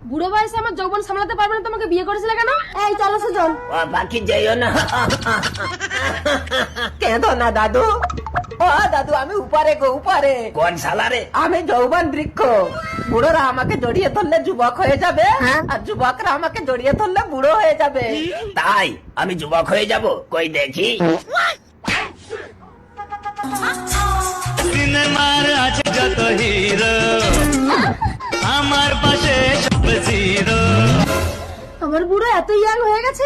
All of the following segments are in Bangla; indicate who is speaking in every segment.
Speaker 1: বুড়ো বয়সে আমার যৌবন সামলাতে পারবে না, তোমাকে বিয়ে করেছিলে কেন? এই চলো সুজন।
Speaker 2: বাকি যাইও না, কেঁদো না দাদু। ও দাদু, আমি উপরে গো, উপরে। কোন সালারে? আমি যৌবন বৃক্ষ। বুড়োরা আমাকে জড়িয়ে ধরলে যুবক হয়ে যাবে, আর যুবকরা আমাকে জড়িয়ে ধরলে বুড়ো হয়ে যাবে। তাই আমি যুবক হয়ে যাব? কই দেখি।
Speaker 3: সিনেমার আছে যত হিরো, আমার পাশে সব জিরো।
Speaker 1: আমার বুড়ো এত ইয়াং হয়ে গেছে,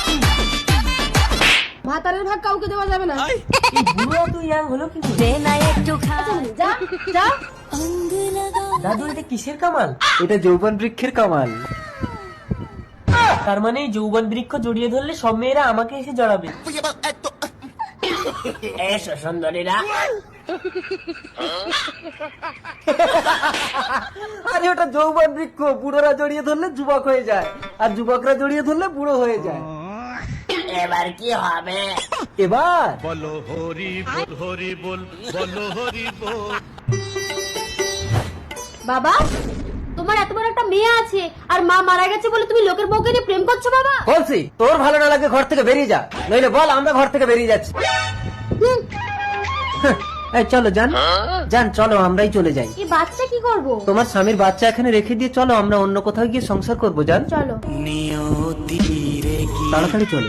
Speaker 1: ভাতারের ভাগ কাউকে দেওয়া যাবে না।
Speaker 2: বুড়ো তো ইয়াং হলো কি করে?
Speaker 1: যা যা।
Speaker 2: দাদু, এটা কিসের কামাল? এটা যৌবন বৃক্ষের কামাল। তার মানে যৌবন বৃক্ষ জড়িয়ে ধরলে সব মেয়েরা আমাকে এসে জড়াবে। এসো সুন্দরীরা। আরে ওটা যৌবন বৃক্ষ, বুড়োরা জড়িয়ে ধরলে যুবক হয়ে যায়, আর যুবকরা জড়িয়ে ধরলে বুড়ো হয়ে যায়। এবার কি হবে? এবার
Speaker 3: বলো হরি বল, হরি বল, বলো হরি বল।
Speaker 1: বাবা, তোমার এত বড় একটা মেয়ে আছে আর মা মারা গেছে বলে তুমি লোকের বউকে নিয়ে প্রেম করছো বাবা?
Speaker 2: বলছি তোর ভালো না লাগে ঘর থেকে বেরিয়ে যা, নইলে বল আমরা ঘর থেকে বেরিয়ে যাচ্ছি। এই চলো জান, জান চলো আমরাই চলে যাই।
Speaker 1: এই বাচ্চা কি করব?
Speaker 2: তোমার স্বামীর বাচ্চা এখানে রেখে দিয়ে চলো আমরা অন্য কোথাও গিয়ে সংসার করবো। জান
Speaker 1: চলো।
Speaker 2: তাড়াতাড়ি চলো।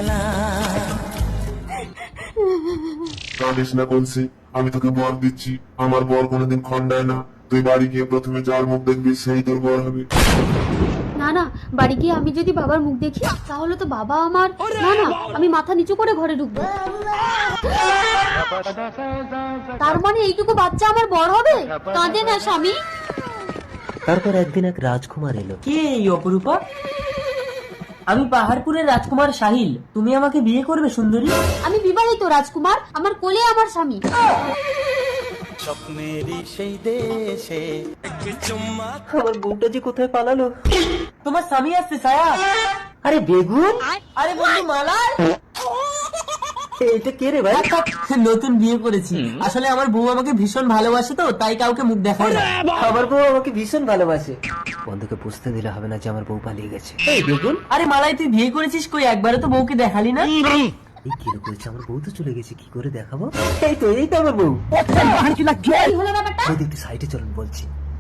Speaker 4: কাঁদিস না কলসি, আমি তোকে বর দিচ্ছি। আমার বর কোনোদিন খন্ডায় না। তুই বাড়ি গিয়ে প্রথমে যার মুখ দেখবি সেই তোর বর হবে।
Speaker 1: না না, বাড়ি গিয়ে আমি যদি বাবার মুখ দেখি তাহলে তো বাবা আমার। না না, আমি মাথা নিচু করে ঘরে ঢুকবো। তার মানে এইটুকু বাচ্চা আমার বড় হবে? কাঁদে না স্বামী।
Speaker 2: তারপর একদিন এক রাজকুমার এলো। কে এই অপরূপা? আমি পাহাড়পুরের রাজকুমার সাহিল। তুমি আমাকে বিয়ে করবে সুন্দরী?
Speaker 1: আমি বিবাহিত রাজকুমার, আমার কোলে আমার স্বামী।
Speaker 3: স্বপ্নেরই সেই দেশে
Speaker 2: আমার বউটা যে কোথায় পালালো। তোমার স্বামী আসছে ছায়া। আরে বেগুন, আরে বন্ধু মালার। এটা কে রে ভাই? নতুন বিয়ে করেছি। আসলে আমার বউ আমাকে ভীষণ ভালোবাসে, তো তাই কাউকে মুখ দেখায় না। আমার বউ আমাকে ভীষণ ভালোবাসে। বন্ধুকে বুঝতে দিলে হবে না যে আমার বউ পালিয়ে গেছে। এই বেগুন, আরে মালাই তুই বিয়ে করেছিস কই? একবারে তো বউকে দেখালি না। এই কি করেছে? আমার বউ তো চলে গেছে, কি করে দেখাবো? এই তো আমার বউ।
Speaker 1: কি হলো ব্যাপারটা?
Speaker 2: বৌদি একটু সাইডে চলুন বলছি।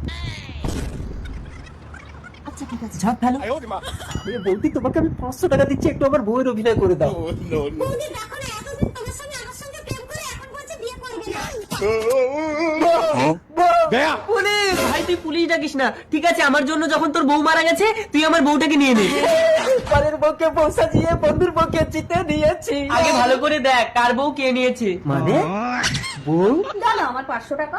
Speaker 1: আচ্ছা ঠিক আছে।
Speaker 2: ঝাঁপ ফেলো। আরে বৌদি, তোমাকে আমি 500 টাকা দিচ্ছি, একটু আমার বউয়ের অভিনয় করে দাও। পুলিশ! ভাই তুই পুলিশ ডাকিস না, ঠিক আছে? আমার জন্য যখন তোর বউ মারা গেছে তুই আমার বউটাকে নিয়ে নে। পরের বউকে বউ সাজিয়ে বন্ধুর বউকে জিতে দিয়েছি। আগে ভালো করে দেখ কার বউ কে নিয়েছে। মানে বউ?
Speaker 1: জানো আমার 500 টাকা।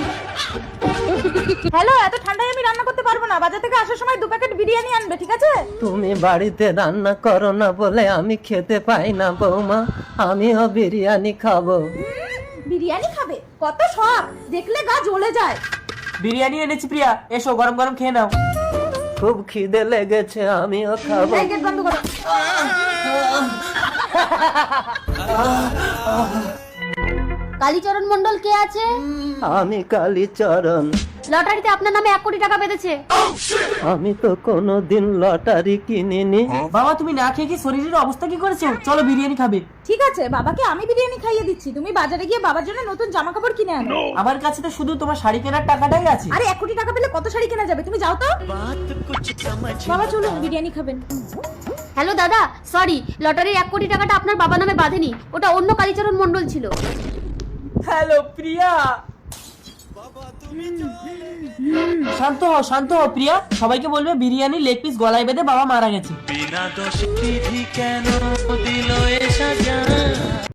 Speaker 1: হ্যালো, এত ঠান্ডায় আমি রান্না করতে পারবো না। বাজার থেকে আসার সময় 2 প্যাকেট বিরিয়ানি আনবে, ঠিক আছে?
Speaker 2: তুমি বাড়িতে রান্না করো না বলে আমি খেতে পাই না বৌমা, আমিও বিরিয়ানি খাবো।
Speaker 1: বিরিয়ানি খাবে? কত শখ, দেখলে গা জ্বলে যায়।
Speaker 2: বিরিয়ানি এনেছি প্রিয়া, এসো গরম গরম খেয়ে নাও। খুব খিদে লেগেছে, আমিও খাবো।
Speaker 1: এই গেট বন্ধ করো। কালীচরণ মন্ডল কে আছে?
Speaker 2: আমি কালীচরণ।
Speaker 1: লটারিতে আপনার নামে 1 কোটি টাকা পেতেছে।
Speaker 2: আমি তো কোনোদিন লটারি কিনিনি। বাবা তুমি না খেয়ে কি শরীরের অবস্থা কি করেছো? চলো বিরিয়ানি খাবে।
Speaker 1: ঠিক আছে, বাবাকে আমি বিরিয়ানি খাইয়ে দিচ্ছি। তুমি বাজারে গিয়ে বাবার জন্য নতুন জামা কাপড় কিনে আনো।
Speaker 2: আমার কাছে তো শুধু তোমার শাড়ি কেনার টাকাটাই আছে।
Speaker 1: আরে 1 কোটি টাকা পেলে কত শাড়ি কেনা যাবে? তুমি যাও তো। বাবা চলুন বিরিয়ানি খাবেন। হ্যালো দাদা, সরি, লটারির 1 কোটি টাকাটা আপনার বাবা নামে বাঁধেনি, ওটা অন্য কালীচরণ মন্ডল ছিল।
Speaker 2: হ্যালো প্রিয়া। শান্ত হও প্রিয়া। সবাইকে বলবে বিরিয়ানি লেগ পিস গলায় বেঁধে বাবা মারা গেছে।
Speaker 3: বিনা দোষে বিধি কেন দিল এ সাজা।